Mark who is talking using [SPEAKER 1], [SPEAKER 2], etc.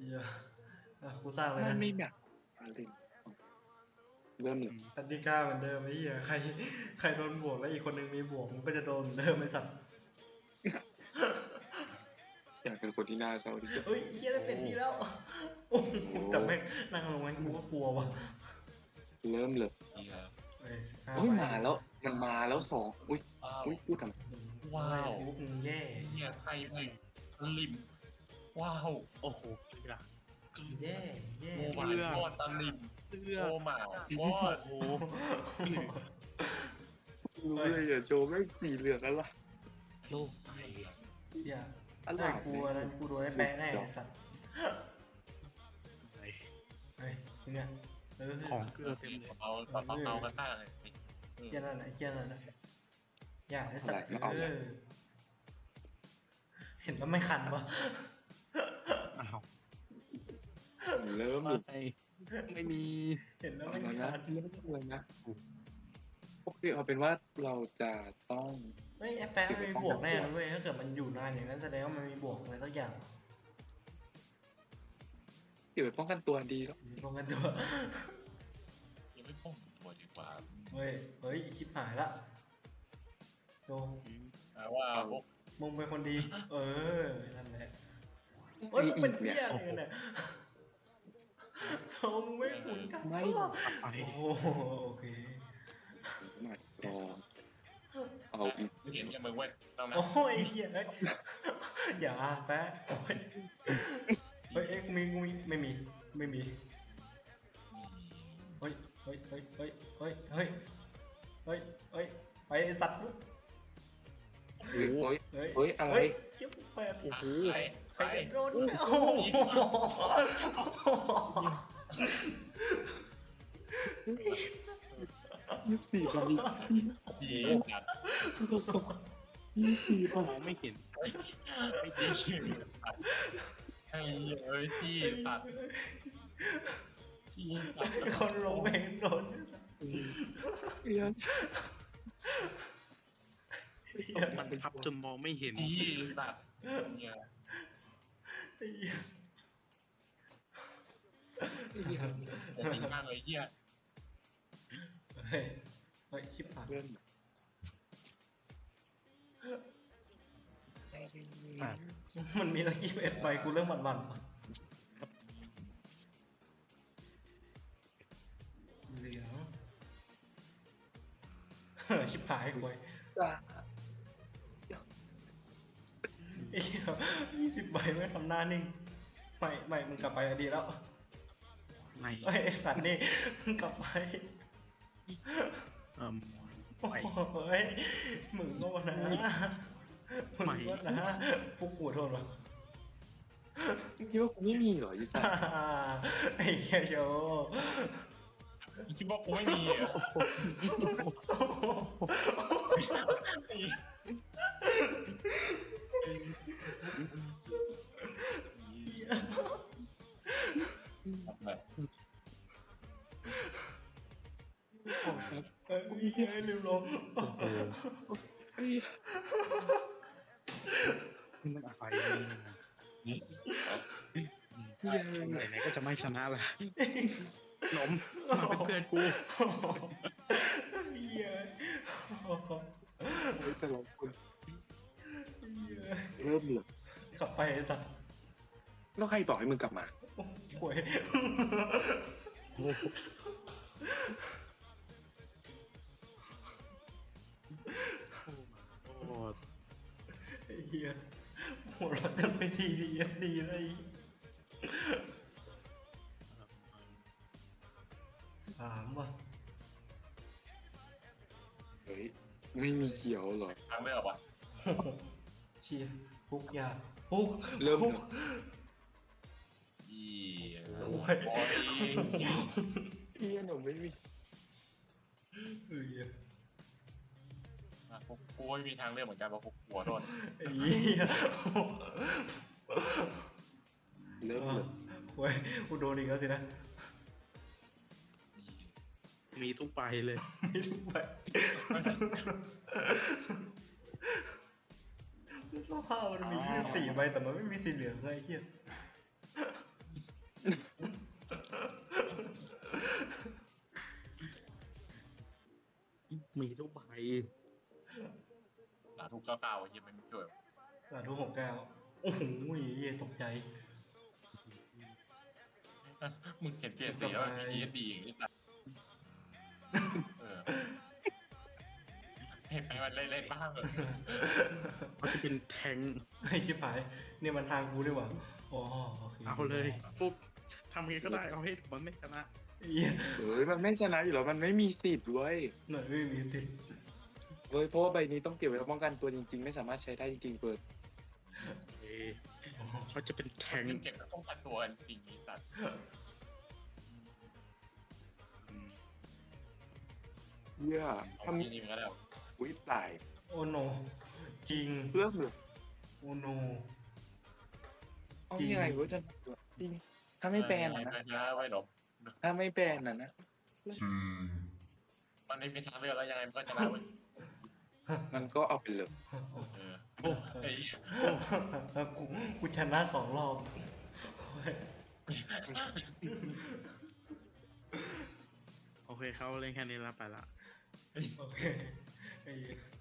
[SPEAKER 1] เหี้ยกูสร้างเลย
[SPEAKER 2] มัน
[SPEAKER 1] นะ
[SPEAKER 2] ไม่แบบอะไรเริ่มเลย
[SPEAKER 1] กติกาเหมือนเดิมไอ้เหี้ยใครโดนบวกแล้วอีกคนนึงมีบวกมันก็จะโดนเดิมไอ้สัตว์
[SPEAKER 2] อยากเป็นคนที่น่าเศร้าที่สุด
[SPEAKER 1] เฮ้ยเหี้ยได้เป็นทีแล้วโอ้โหแต่แม่งนั่งลงงั้นกูก็กลัวว่ะ
[SPEAKER 2] เริ่มเลย
[SPEAKER 1] เฮ้ย15
[SPEAKER 2] เฮ้ย
[SPEAKER 1] ใบ
[SPEAKER 2] มาแล้วมันมาแล้วสองอุ้ย
[SPEAKER 3] ว้าว
[SPEAKER 2] อุ้ยพูดทำไม
[SPEAKER 3] ว้าว
[SPEAKER 1] ฟุกมึงแย่
[SPEAKER 3] เนี่ยใครไปลิมว้าว
[SPEAKER 4] โอ้โหเกลือ
[SPEAKER 1] แย่แย่
[SPEAKER 3] โอ้มาโคตรตะลิม
[SPEAKER 4] เกลือ
[SPEAKER 3] โอ้มาโคตร
[SPEAKER 4] โอ้
[SPEAKER 2] รู้เลยอย่าโจไม่งสีเหลืองอะไร
[SPEAKER 4] โลกไต
[SPEAKER 1] เหี้ย
[SPEAKER 2] อะไร
[SPEAKER 1] กูอันนั้นกูโดนได้แปะแน่ไอ้สัตว์
[SPEAKER 4] อะไร
[SPEAKER 1] เฮ้ยเนี่ยเออ
[SPEAKER 4] ของเกลือเต็มเลย
[SPEAKER 3] เอากันได้เลย
[SPEAKER 1] เชี่ยนั่นแหละเชี่ยนั่นแหละอย่าไอ้สัตว์เห็นแล้วไม่คันปะ
[SPEAKER 4] อ้าว
[SPEAKER 2] เริ่ม
[SPEAKER 4] ไม่มี
[SPEAKER 1] เห็นแล้ว
[SPEAKER 2] เอา
[SPEAKER 1] ไม่
[SPEAKER 2] แล้ว
[SPEAKER 1] คั
[SPEAKER 2] นะ
[SPEAKER 1] น
[SPEAKER 2] เริ่มเลยนะโอเคเอาเป็นว่าเราจะต้อง
[SPEAKER 1] ไม่ไอ้แปะมันมีบวกแน่นะเว้ยถ้าเกิดมันอยู่นานอย่างนั้นแสดงว่ามันมีบวกอะไรสักอย่าง
[SPEAKER 2] เก็บไว้ป้องกันตัวดีแล้ว
[SPEAKER 1] ลงกันตัว
[SPEAKER 3] ยังไม่พ้องตัวดีกว่า
[SPEAKER 1] เฮ้ยชิบหายละโด
[SPEAKER 3] ว่าพวก
[SPEAKER 1] มึงเป็นคนดี เออนั่นแหละเฮ้ยมึงเป็นเหี้ยอะไรกันเนี่ยโธ่มึงไม่หมุนกันตัว
[SPEAKER 4] ไป
[SPEAKER 1] โอ้โหโอเค
[SPEAKER 2] หนักรอเอาอีก
[SPEAKER 3] เห็นแค่มึงเว้ยต้องนะ
[SPEAKER 1] โอ้ยเหี้ยเอ้ยอย่าแปะโอ้ยเฮ้ยเอ๊ะกูมีไม่มีเฮ้ยเฮ้ยเฮ้ยเฮ้ยเฮ้ยเฮ้ยเฮ้ยเฮ้ยไปไอ้สัตว์ลูก
[SPEAKER 2] เฮ้ย
[SPEAKER 1] เฮ้ย
[SPEAKER 2] เฮ้ยอะไร
[SPEAKER 1] เชี่ยแปด
[SPEAKER 3] โอ้โห
[SPEAKER 1] ใครจะโดนโอ้โห
[SPEAKER 2] 24 ใบ
[SPEAKER 3] ดีจัด
[SPEAKER 2] 24 ใบ
[SPEAKER 4] มองไม่เห็น
[SPEAKER 3] ไม่ดีไอ้เอ้ยที่สัตว์ที่สัตว์
[SPEAKER 1] คนลงเองโดน
[SPEAKER 2] เรียน
[SPEAKER 4] มันทับจนมองไม่เห็น
[SPEAKER 3] ที่สัตว์เนี่ย
[SPEAKER 1] ไอ้เหี้ย
[SPEAKER 3] จะทิ้งข้างเลยเหี้ย
[SPEAKER 1] เฮ้ยเฮ้ยชิบหาย
[SPEAKER 2] เริ่ม
[SPEAKER 1] มันมีตั้ง21ใบกูเริ่มหวั่นๆว่ะเหลืองชิบหายควย
[SPEAKER 2] จ้า
[SPEAKER 1] ไอ้เหี้ย20ใบไม่ทำหน้านิ่งไม่มึงกลับไปอะดีแล้ว
[SPEAKER 4] ไม่
[SPEAKER 1] เฮ้ยไอ้สัตว์นี่มึงกลับไป
[SPEAKER 4] เอ่ม
[SPEAKER 1] โอ้
[SPEAKER 4] ไม่
[SPEAKER 1] โหเฮ้ยมึงก็นะมึงก็นะฟุกกูโทษวะ
[SPEAKER 2] คิดว่ากูไม่มีเหรอยี่สัตว์
[SPEAKER 1] ไอ้เหี้ยโชว์
[SPEAKER 3] คิดว่ากูไม่มีอ่ะ
[SPEAKER 1] เฮ้ยเหี้ยลืมลง
[SPEAKER 4] มันอะไรไหนๆก็จะไม่ชนะละหนมมาเป็นเพื่อนกู
[SPEAKER 1] เหี้ย
[SPEAKER 2] แต่เราคนเริ่มเลย
[SPEAKER 1] กลับไปไอ้สัตว์
[SPEAKER 2] แล้วใครบอกให้มึงกลับมา
[SPEAKER 1] หวย
[SPEAKER 4] โอ้โห
[SPEAKER 1] ไอ้เหี้ยหัวเราะจนไปทีดีเลย3ว่ะ
[SPEAKER 2] เฮ้ยไม่มีเขียวเหรอ
[SPEAKER 3] ทางไม่ออกวะ
[SPEAKER 1] เชียฟุกยาฟุก
[SPEAKER 2] เริ่ม
[SPEAKER 1] ฟุก
[SPEAKER 3] อี
[SPEAKER 1] หวย
[SPEAKER 3] บอดี้
[SPEAKER 2] พี่หนูไม่มี
[SPEAKER 1] เอ้ย
[SPEAKER 3] กูไม่มีทางเลือกเหมือนกันเพราะกูกลัวโดน
[SPEAKER 1] ไอ้เหี้ย
[SPEAKER 2] เริ่มเลย
[SPEAKER 1] หวยกูโดนอีกแล้วสินะ
[SPEAKER 4] มีทุกใบเลย
[SPEAKER 1] ไม่ถูกไปสภาพมันมีแค่4ใบแต่มันไม่มีสีเหลืองเลยไอ้เหี้ย
[SPEAKER 4] มีทุกใบ
[SPEAKER 3] ทุกเก้าเฮียมันไม่ช่วย
[SPEAKER 1] สาธุ69โอ้โหตกใจ
[SPEAKER 3] มึงเขียนเปลี่ยนสีแล้วมันมี ESD อย่างนี้สัสให้มันเล่นบ้างเลย
[SPEAKER 4] เขาจะเป็นแทง
[SPEAKER 1] ไอ้ชิบหายเนี่ยมันทางกูดีกว่าอ๋อโอเค
[SPEAKER 4] เอาเลยปุ๊บทำไงก็ได้เอาให้มันไม่ชนะ
[SPEAKER 1] เหี้ย
[SPEAKER 2] เฮ้ยมันไม่ชนะอยู่แล้วมันไม่มีสิทธิ์เว้ย
[SPEAKER 1] หน่อยไม่มีสิทธิ์
[SPEAKER 2] เว้ยเพราะว่าใบนี้ต้องเก็บไว้ป้องกันตัวจริงๆ ไม่สามารถใช้ได้จริงๆเปิด
[SPEAKER 4] เอ้ยเขาจะเป็นแทง
[SPEAKER 3] เก็บแล้วต้องกันตัวจริงไอ้สัส
[SPEAKER 2] เหี้ย
[SPEAKER 3] เอา
[SPEAKER 2] ทำ
[SPEAKER 3] ที่นี่มันก็ได้
[SPEAKER 2] อุ้ยตาย
[SPEAKER 1] โอ้โนจริง
[SPEAKER 2] เพื่อเหรอ
[SPEAKER 1] โอ้โน
[SPEAKER 2] เอา
[SPEAKER 1] จริง
[SPEAKER 2] ยังไงวะจะจริง ถ้าไม่แบนอ่ะนะ
[SPEAKER 3] ไม่ชนะไว้หรอก
[SPEAKER 2] ถ้าไม่แบนอ่ะนะ
[SPEAKER 3] มันไม่มีทางเลือกแล้วยังไงมันก็ชนะเว้ย
[SPEAKER 2] มันก็เอาไปเลย
[SPEAKER 3] ไอ้
[SPEAKER 1] กูชนะ2 รอบโอ้ย
[SPEAKER 4] โอเคเขาเล่นแค่นี้แล้วไปละ
[SPEAKER 1] โอเคไอ้เหี้ย